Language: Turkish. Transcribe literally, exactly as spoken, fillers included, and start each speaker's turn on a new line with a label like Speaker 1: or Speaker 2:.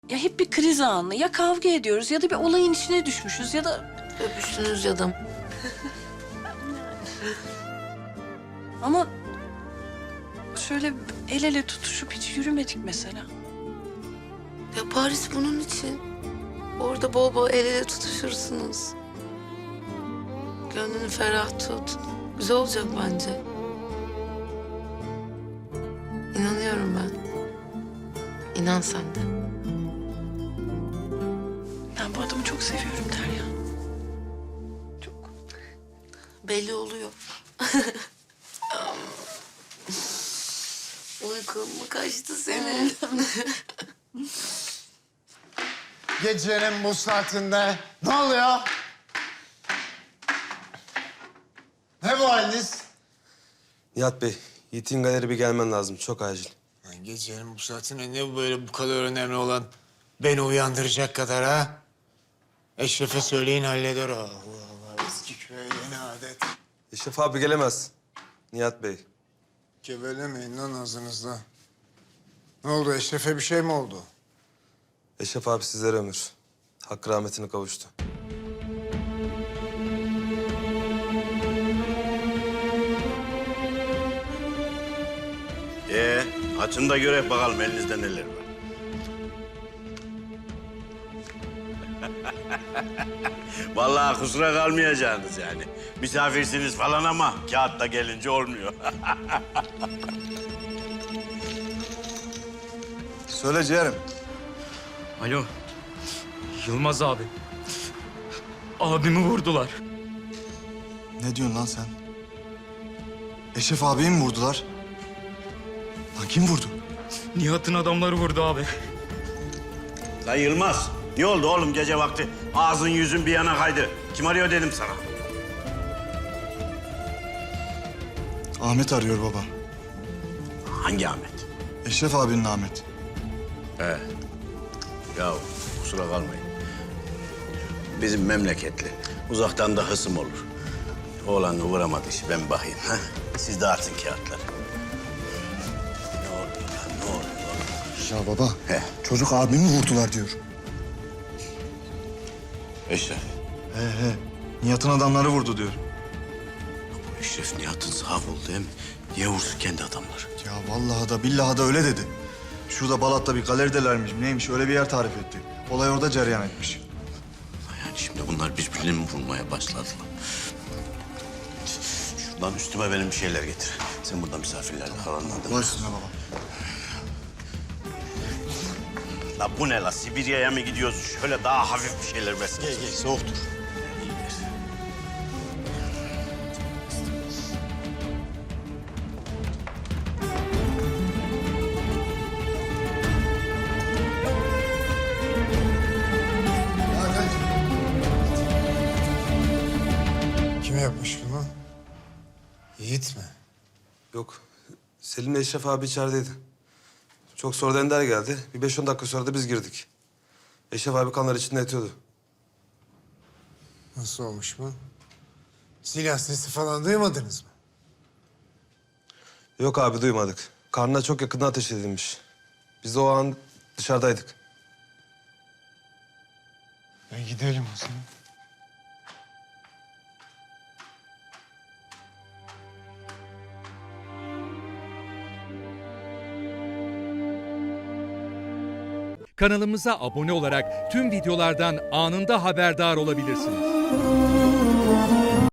Speaker 1: Ya hep bir kriz anı. Ya kavga ediyoruz ya da bir olayın içine düşmüşüz ya da...
Speaker 2: Öpüştünüz ya da.
Speaker 1: Ama şöyle el ele tutuşup hiç yürümedik mesela.
Speaker 2: Ya Paris bunun için. Orada bol bol el ele tutuşursunuz. Gönlünü ferah tut. Güzel olacak bence. İnanıyorum ben. İnan sen de.
Speaker 1: Ben bu adamı çok seviyorum Derya. Çok.
Speaker 2: Belli oluyor. Uykun mu kaçtı senin?
Speaker 3: Gecenin bu saatinde ne oluyor? Ne bu haliniz?
Speaker 4: Nihat Bey, Yiğit'in galeri bir gelmen lazım. Çok acil.
Speaker 5: Lan gecenin bu saatinde ne bu böyle bu kadar önemli olan beni uyandıracak kadar ha? Eşref'e söyleyin halleder o. Allah Allah eski köye yeni adet.
Speaker 4: Eşref abi gelemez. Nihat Bey.
Speaker 5: Gevelemeyin lan ağzınızda. Ne oldu Eşref'e bir şey mi oldu?
Speaker 4: Eşref abi sizlere ömür. Hakkı rahmetine kavuştu.
Speaker 6: Ee, açın da görek bakalım elinizde neler var. Vallahi kusura kalmayacaksınız yani. Misafirsiniz falan ama kağıtta gelince olmuyor.
Speaker 3: Söyle ciğerim.
Speaker 7: Alo. Yılmaz abi. Abimi vurdular.
Speaker 3: Ne diyorsun lan sen? Eşref abiyi mi vurdular? Lan kim vurdu?
Speaker 7: Nihat'ın adamları vurdu abi.
Speaker 6: Lan Yılmaz, ne oldu oğlum gece vakti? Ağzın yüzün bir yana kaydı. Kim arıyor dedim sana.
Speaker 3: Ahmet arıyor baba.
Speaker 6: Hangi Ahmet?
Speaker 3: Eşref abinin Ahmet.
Speaker 6: He. Ya kusura kalmayın. Bizim memleketli. Uzaktan da hısım olur. Oğlanı vuramadı işi, ben bakayım. Ha? Siz dağıtın kağıtları. Ne oluyor lan, ne oluyor?
Speaker 3: Ya baba,
Speaker 6: He.
Speaker 3: çocuk abimi vurdular diyor.
Speaker 6: Eşref.
Speaker 3: He he, Nihat'ın adamları vurdu diyor.
Speaker 6: Bu Eşref Nihat'ın sağ kolu değil mi? Niye vursun kendi adamları?
Speaker 3: Ya vallahi da billahi da öyle dedi. Şurada Balat'ta bir galeridelermiş, neymiş öyle bir yer tarif etti. Olay orada cereyan etmiş.
Speaker 6: Yani şimdi bunlar birbirini mi vurmaya başladılar? Şuradan üstüme benim bir şeyler getir. Sen burada misafirlerle kalanlandın.
Speaker 3: Baş üstüne baba.
Speaker 6: La bu ne la? Sibirya'ya mı gidiyoruz? Şöyle daha hafif bir şeyler versin.
Speaker 3: Gel gel, soğuktur.
Speaker 6: İyi ver.
Speaker 5: Kim yapmış bunu? Yiğit mi?
Speaker 4: Yok, Selim'le Eşref abi içerideydi. Çok sonradan Ender geldi. Bir beş on dakika sonra da biz girdik. Eşref abi kanlar içinde yatıyordu.
Speaker 5: Nasıl olmuş bu? Silah sesi falan duymadınız mı?
Speaker 4: Yok abi duymadık. Karnına çok yakında ateş edilmiş. Biz de o an dışarıdaydık.
Speaker 5: E gidelim o zaman.
Speaker 8: Kanalımıza abone olarak tüm videolardan anında haberdar olabilirsiniz.